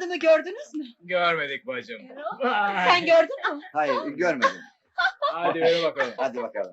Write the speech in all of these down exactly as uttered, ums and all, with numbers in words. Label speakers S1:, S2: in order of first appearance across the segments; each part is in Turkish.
S1: yazdığını gördünüz mü?
S2: Görmedik bacım.
S1: Sen gördün mü?
S3: Hayır, görmedim.
S2: Hadi yürü bakalım.
S3: Hadi bakalım.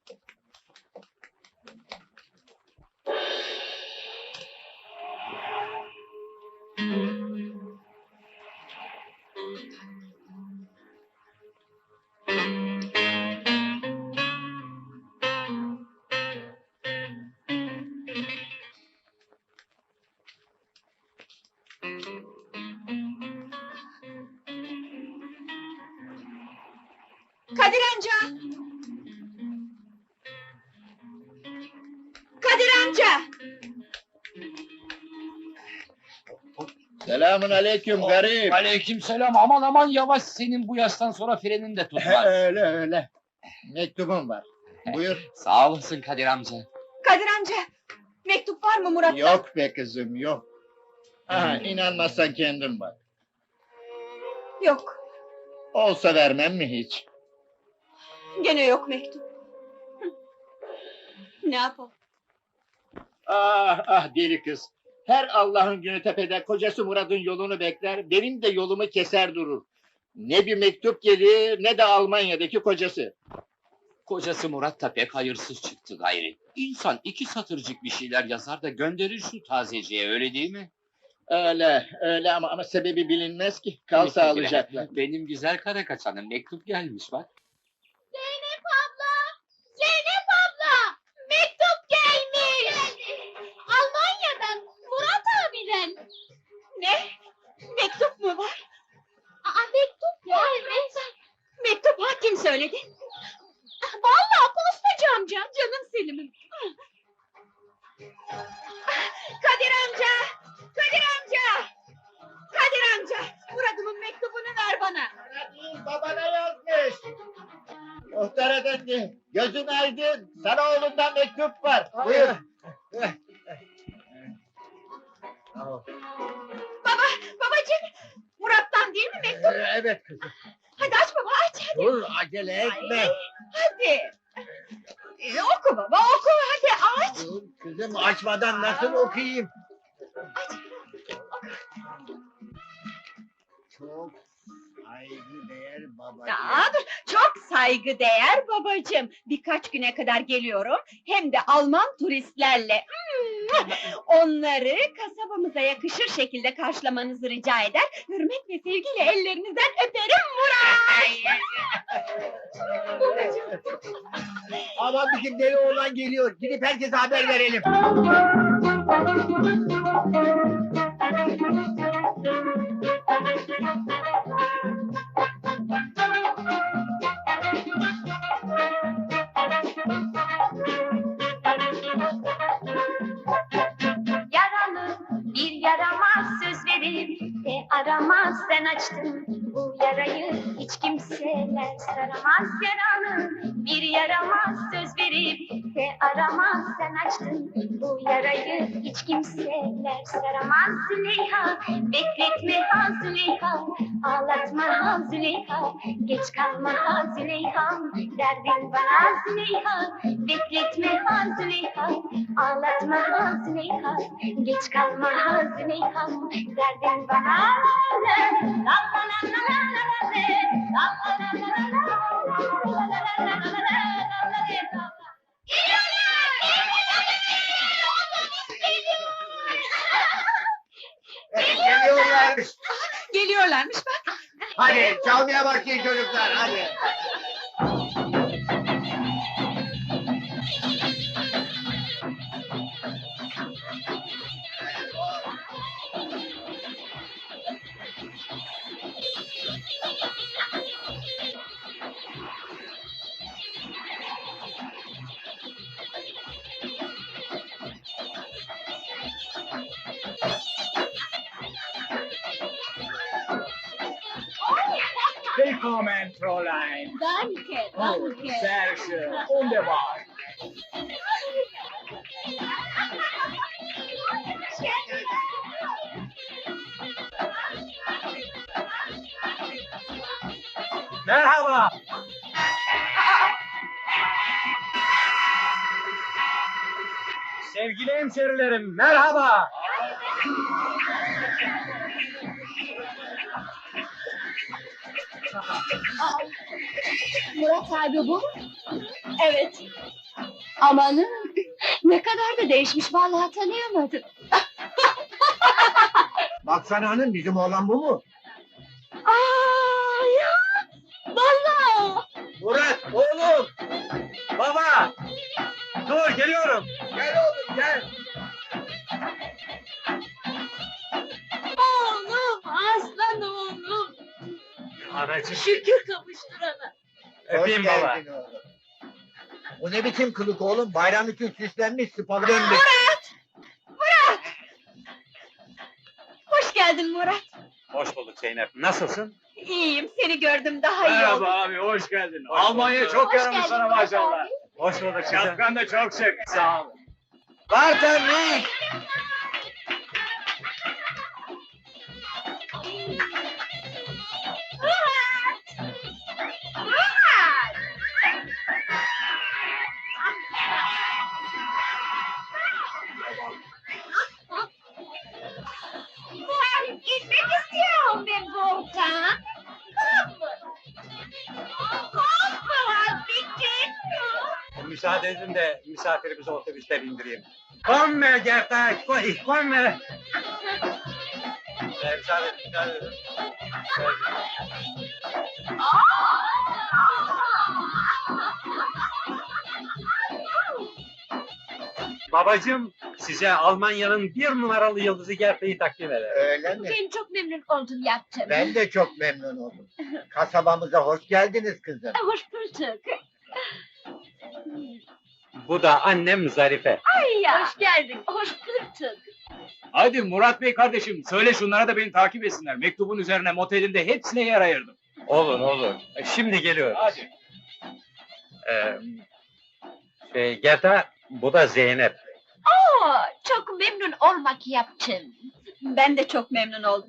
S1: Kadir amca! Kadir amca!
S3: Selamun aleyküm garip.
S4: Aleykümselam, aman aman yavaş, senin bu yaştan sonra frenin de tutmaz.
S3: Öyle öyle. Mektubum var. Buyur.
S4: Sağ olasın Kadir amca.
S1: Kadir amca! Mektup var mı Murat'tan?
S3: Yok be kızım, yok. Aha, inanmazsan kendin bak.
S1: Yok,
S3: Olsa vermem mi hiç?
S1: gene yok mektup. Hı. Ne yapalım?
S3: Ah ah deli kız. Her Allah'ın günü tepede kocası Murat'ın yolunu bekler, benim de yolumu keser durur. Ne bir mektup gelir, ne de Almanya'daki kocası.
S4: Kocası Murat da pek hayırsız çıktı gayri. İnsan iki satırcık bir şeyler yazar da gönderir şu tazeciye, öyle değil mi?
S3: Öyle, öyle ama ama sebebi bilinmez ki. Kal sağlıcakla.
S4: Benim güzel kara kaçanım, mektup gelmiş bak.
S1: Zeynep abla! Zeynep abla! Mektup gelmiş! Almanya'dan, Murat abiden. Ne? Mektup mu var? Aa, mektup var. Evet. Mektup ha, kim söyledi? Vallahi postacı amca, canım Selim'im. Kadir amca! Kadir amca! Kadir amca! Murat'ımın mektubunu ver bana.
S3: Babana yazmış. Muhtar efendi, gözün aydın. Sana oğlundan mektup var. Buyur.
S1: Baba, babacığım! Murat'tan değil mi mektup?
S3: Evet kızım.
S1: Hadi aç baba, aç hadi.
S3: Dur, acele etme.
S1: Ay, hadi. Ee, oku baba, oku hadi aç.
S3: Dur kızım, açmadan nasıl okuyayım? Çok saygıdeğer babacığım.
S1: Aa, dur, çok saygıdeğer babacığım. Birkaç güne kadar geliyorum. Hem de Alman turistlerle. Hmm, onları kasabamıza yakışır şekilde karşılamanızı rica eder. Hürmet ve sevgiyle ellerinizden öperim Murat. Babacığım.
S3: Aman bizim deli oğlan geliyor. Gidip herkese haber verelim.
S5: Yaralı bir yaramaz söz verip de aramaz, sen açtın bu yarayı, hiç kimseler saramaz. Yaralı bir yaramaz söz verip de aramaz, sen açtın bu yarayı, hiç kimseler saramaz. Züleyha bekletme ha Züleyha, ağlatma ha Züleyha, geç kalma ha Züleyha, derdin bana Züleyha. Bekletme ha Züleyha, ağlatma ha Züleyha, geç kalma ha Züleyha, derdin bana. La la la la la la la la, la la la la la la la la la la.
S3: Geliyorlar.
S1: Geliyorlarmış bak.
S3: Hadi çalmaya başlayın çocuklar, hadi.
S2: Willkommen, Fräulein.
S1: Danke,
S2: Oh,
S1: danke.
S2: sehr schön. Wunderbar. Merhaba. Sevgili hemşerilerim, merhaba.
S1: Murat abi bu mu? Evet. Amanın, ne kadar da değişmiş, vallahi tanıyamadım.
S6: Baksana hanım, bizim oğlan bu mu?
S1: Aa ya! Vallahi!
S6: Murat, oğlum! Baba! Dur, geliyorum! Gel oğlum, gel!
S1: Oğlum, aslan oğlum!
S6: Anacığım,
S1: Şükür kavuşturana.
S6: öpeyim baba. Bu ne biçim kılık oğlum? Bayram için süslenmiş, sıpalı dönmüş.
S1: Hoş geldin Murat.
S2: Hoş bulduk Zeynep. Nasılsın?
S1: İyiyim, seni gördüm daha iyi oldum.
S2: abi, hoş geldin.
S6: Hoş
S2: Almanya
S6: bulduk.
S2: çok
S1: Hoş
S2: yaramış
S1: geldin
S2: sana
S1: Murat
S2: maşallah.
S1: abi.
S6: Hoş bulduk kızım.
S2: Şapkan da çok şık. Sağ ol.
S6: Barton ne?
S1: Gitmek istiyorum ben Volkan.
S6: Müsaade edin de misafirimizi otobüsten indireyim. Komme Gerda, ich komme. Ee, müsaade edin, müsaade edin.
S7: Babacım size Almanya'nın bir numaralı yıldızı Gerta'yı takdim eder.
S6: Öyle mi?
S1: Ben çok memnun oldum yaptım.
S6: Ben de çok memnun oldum. Kasabamıza hoş geldiniz kızım.
S1: Hoş bulduk.
S7: Bu da annem Zarife.
S1: Ay ya. Hoş geldin. Hoş bulduk.
S2: Hadi Murat Bey kardeşim, söyle şunlara da beni takip etsinler. Mektubun üzerine motelinde hepsine yer ayırdım.
S7: Olur olur. E, Şimdi geliyoruz.
S2: Hadi.
S7: Ee, şey, Gerta bu da Zeynep.
S1: Oo, çok memnun olmak yaptım. Ben de çok memnun oldum.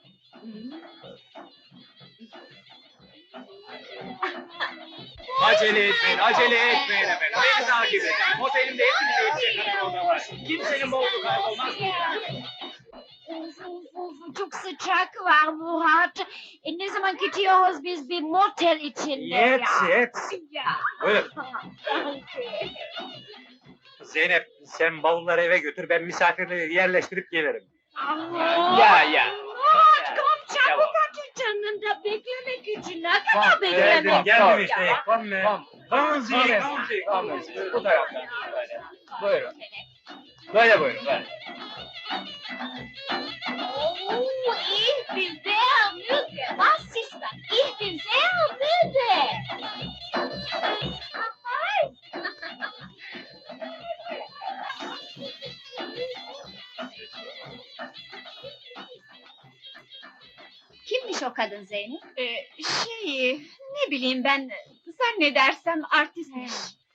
S2: Acele etmeyin, acele etmeyin efendim. Beni takip edin. Motelimde hepinize yetecek oda var. Kimsenin bavulu kaybolmaz.
S5: Uf, uf, uf, çok sıcak var Murat. E, ne zaman gidiyoruz biz bir motel içinde ya?
S7: Yet yet.
S5: Ya.
S7: Buyur.
S5: Danke.
S7: Zeynep sen bavulları eve götür, ben misafirleri yerleştirip gelirim.
S2: Ya ya.
S5: Murat kom çabuk hadi canım da beklemek için ne kadar
S2: Tamam,
S5: beklemek?
S7: Geldim geldim işte. Komme.
S2: Tamam.
S7: Kommen Sie,
S2: Kommen
S7: kommen Sie, kommen Sie.
S2: Bu taraftan. Böyle. Buyurun. Böyle buyurun. Böyle.
S5: Oh, ich bin sehr müde. Was ist das? Ich bin sehr müde. Ay.
S1: Kimmiş o kadın Zeynep? Ee, şey, ne bileyim ben, zannedersem artistmiş.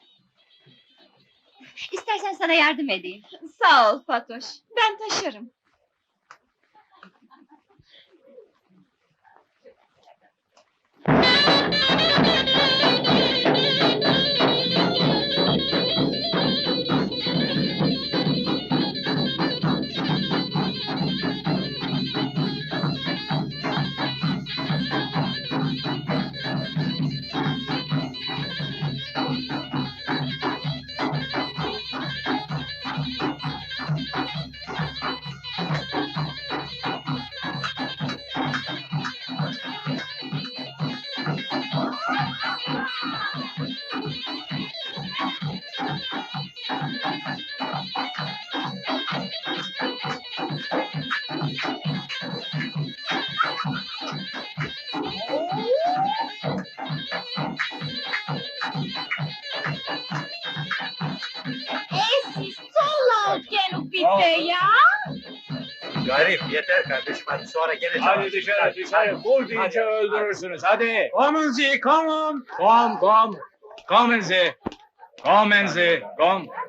S1: İstersen sana yardım edeyim. Sağ ol Fatoş, ben taşırım.
S5: Es ist so laut genug bitte ya.
S7: Garip yeter kardeşim, hadi sonra gene
S2: Hadi dışarı dışarı. Vur deyince
S7: Hadi.
S2: öldürürsünüz. Hadi.
S7: Kommen Sie, kommen.
S2: Kom kom. Kommen Sie. Kommen Sie. Kom.